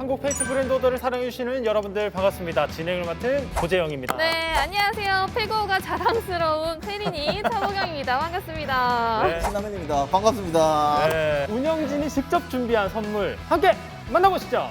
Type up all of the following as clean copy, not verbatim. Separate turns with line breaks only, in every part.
한국 페이트 브랜드 오더를 사랑해주시는 여러분들 반갑습니다. 진행을 맡은 고재영입니다.
네, 안녕하세요. 페고가 자랑스러운 페리니 차보경입니다. 반갑습니다.
네.
신라면입니다. 반갑습니다.
네, 운영진이 직접 준비한 선물 함께 만나보시죠.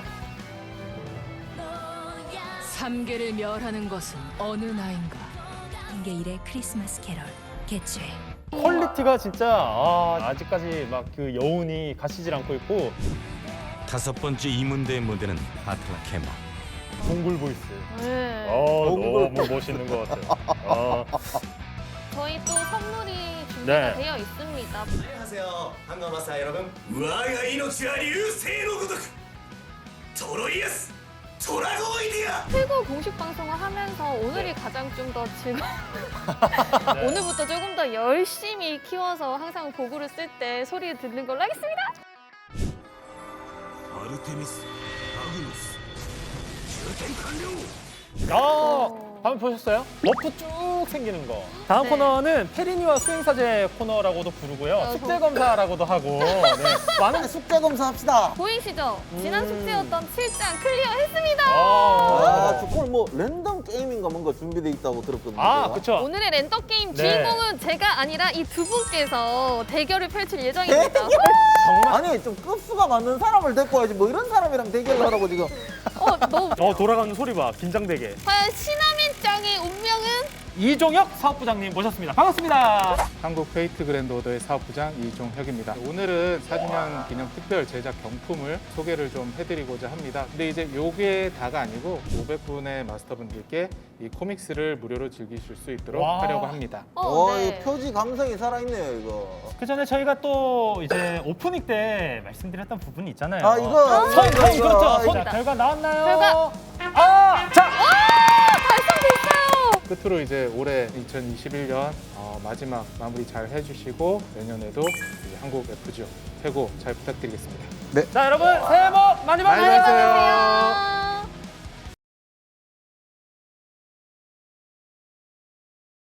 삼계를 멸하는 것은 어느 나인가.
한계일의 크리스마스 캐럴 개최.
퀄리티가 진짜 아직까지 막 그 여운이 가시질 않고 있고
다섯 번째 이문대의 무대는 아틀라 캐머.
동굴 보이스.
네.
너무 멋있는 것 같아요.
저희 또 선물이 준비가
네.
되어 있습니다.
안녕하세요. 한가마사 여러분. 我が命は流星のごとくトロイエストラゴイディア
페고 공식 방송을 하면서 오늘이 가장 좀 더 즐거운 오늘부터 조금 더 열심히 키워서 항상 도구를 쓸 때 소리를 듣는 걸로 하겠습니다.
アルテミスアグノス充填完了
방금 보셨어요? 머프 쭉 생기는 거. 다음
네.
코너는 페리니와 수행사제 코너라고도 부르고요. 숙제 검사라고도 하고. 네. 많은
숙제 검사 합시다.
보이시죠? 지난 숙제였던 7장 클리어했습니다.
저걸 뭐 랜덤 게임인가 뭔가 준비돼 있다고 들었거든요.
그쵸.
오늘의 랜덤 게임
네.
주인공은 제가 아니라 이 두 분께서 대결을 펼칠 예정입니다.
정말.
아니 좀 급수가 맞는 사람을 데리고 와야지 뭐 이런 사람이랑 대결을 하라고 지금.
너무
돌아가는 소리 봐. 긴장되게.
과연 신화면짱의 운명은?
이종혁 사업부장님 모셨습니다. 반갑습니다.
한국 페이트 그랜드 오더의 사업부장 이종혁입니다. 오늘은 4주년 기념 특별 제작 경품을 소개를 좀 해드리고자 합니다. 근데 이제 요게 다가 아니고 500분의 마스터분들께 이 코믹스를 무료로 즐기실 수 있도록
와.
하려고 합니다.
이 표지 감성이 살아있네요 이거.
그 전에 저희가 또 이제 오프닝 때 말씀드렸던 부분이 있잖아요.
이거.
손,
이거.
그렇죠. 손.
이거.
결과 나왔나요?
결과.
자!
달성됐어요!
끝으로 이제 올해 2021년 마지막 마무리 잘 해주시고 내년에도 이제 한국 FGO 최고 잘 부탁드리겠습니다.
자, 여러분 새해 복 많이 받으세요.
많이 받으세요.